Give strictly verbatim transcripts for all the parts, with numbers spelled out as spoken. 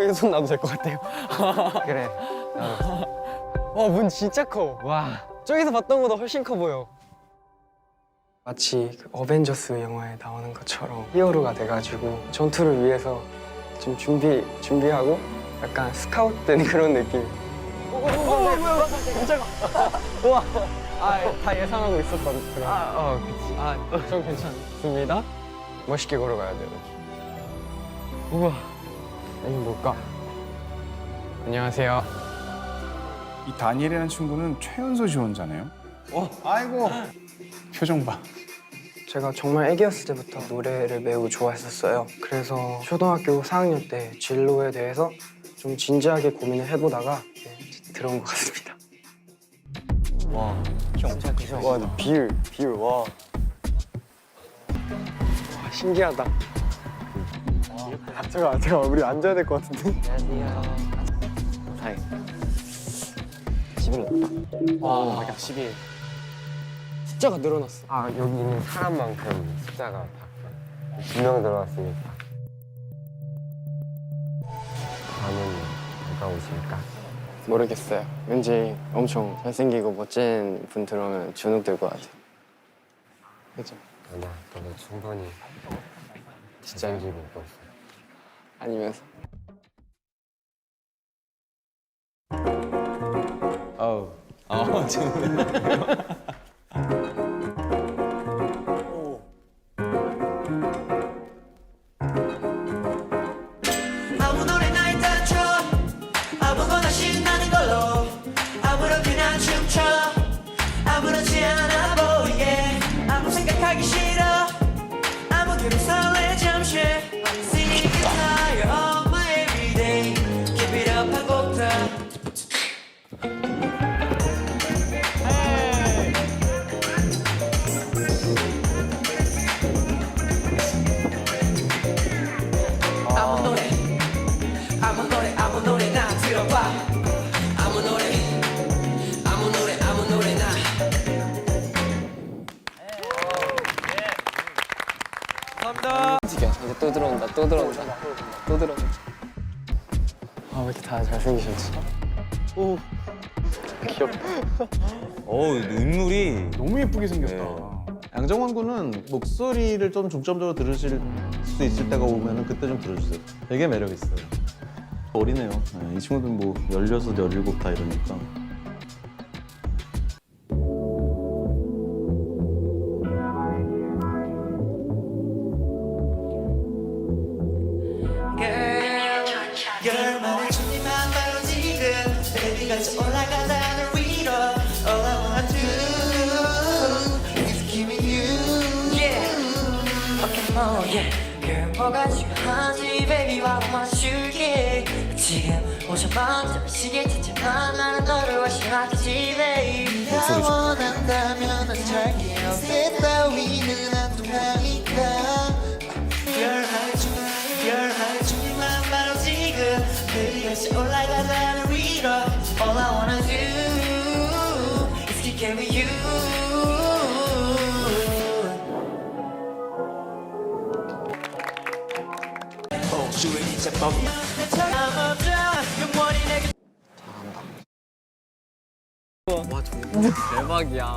여기 손 놔도 될 것 같아요. 그래. 와, 문 진짜 커. 와, 저기서 봤던 것보다 훨씬 커 보여. 마치 그 어벤져스 영화에 나오는 것처럼 히어로가 돼가지고 전투를 위해서 좀 준비, 준비하고 약간 스카웃된 그런 느낌. 오, 뭐야, 뭐야, 깜짝아. 우와. 아, 다 예상하고 있었던 그런. 아, 어, 그치. 아, 좀 괜찮습니다. 멋있게 걸어가야 돼요. 우와. 여기 뭘까? 안녕하세요. 이 다니엘이라는 친구는 최연소 지원자네요. 어, 아이고. 표정 봐. 제가 정말 애기였을 때부터 노래를 매우 좋아했었어요. 그래서 초등학교 사 학년 때 진로에 대해서 좀 진지하게 고민을 해보다가 네, 들어온 것 같습니다. 와, 형. 와, 비율, 비율, 와. 와, 신기하다. 아, 잠깐, 잠깐, 우리 앉아야 될 것 같은데? 안녕하세요. 사이. 십일 넣었다. 와, 십일. 숫자가 늘어났어. 아, 여기 있는 사람만큼 숫자가 두 명 들어왔으니까. 다음은 누가 오실까? 모르겠어요. 왠지 엄청 잘생기고 멋진 분 들어오면 주눅 들 것 같아. 그죠? 아니야, 너도 충분히 진짜요? 잘생기고 있어. 아니면서. 아우. 아, 지금. 아무 노래나 일단 쳐 아무거나 신나는 걸로 아무렇게나 춤춰 아무렇지 않아 보이게 아무 생각하기 싫어 아무데나 설레 잠시 Sing it higher on my everyday Keep it up 하고파 아무 노래 아무 노래 아무 노래나 들어봐 아무 노래 아무 노래 아무 노래나 움직여. 이제 또 들어온다, 또 들어온다, 또 들어온다. 아, 왜 이렇게 다 잘생기셨지? 오, 귀엽다. 어우, 인물이. 너무 예쁘게 생겼다. 네. 양정원 군은 목소리를 좀 중점적으로 들으실 수 있을 때가 오면은 그때 좀 들어주세요. 되게 매력 있어요. 어리네요. 네, 이 친구들은 뭐 열여섯, 열일곱 다 이러니까. 열만의 준비만 바로 지금 베이비같이 올라가다 널 위로 All I wanna do is give you Yeah Okay more yeah Girl 뭐가 중요한지 baby 바로 맞출게 지금 오자마자 시계 찾지만 나는 너를 확신하지 baby 나 원한다면 난 잘게 어때 따위는 안 통하니까 열할 중 열할 준비만 바로 지금 베이비같이 올라가다 널 위로 All I wanna do is kick it with you 주인이 제법 남자 영원히 내게 와, 정말 대박이야.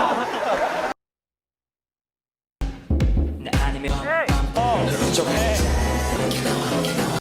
나 아니면 널 훔쳐가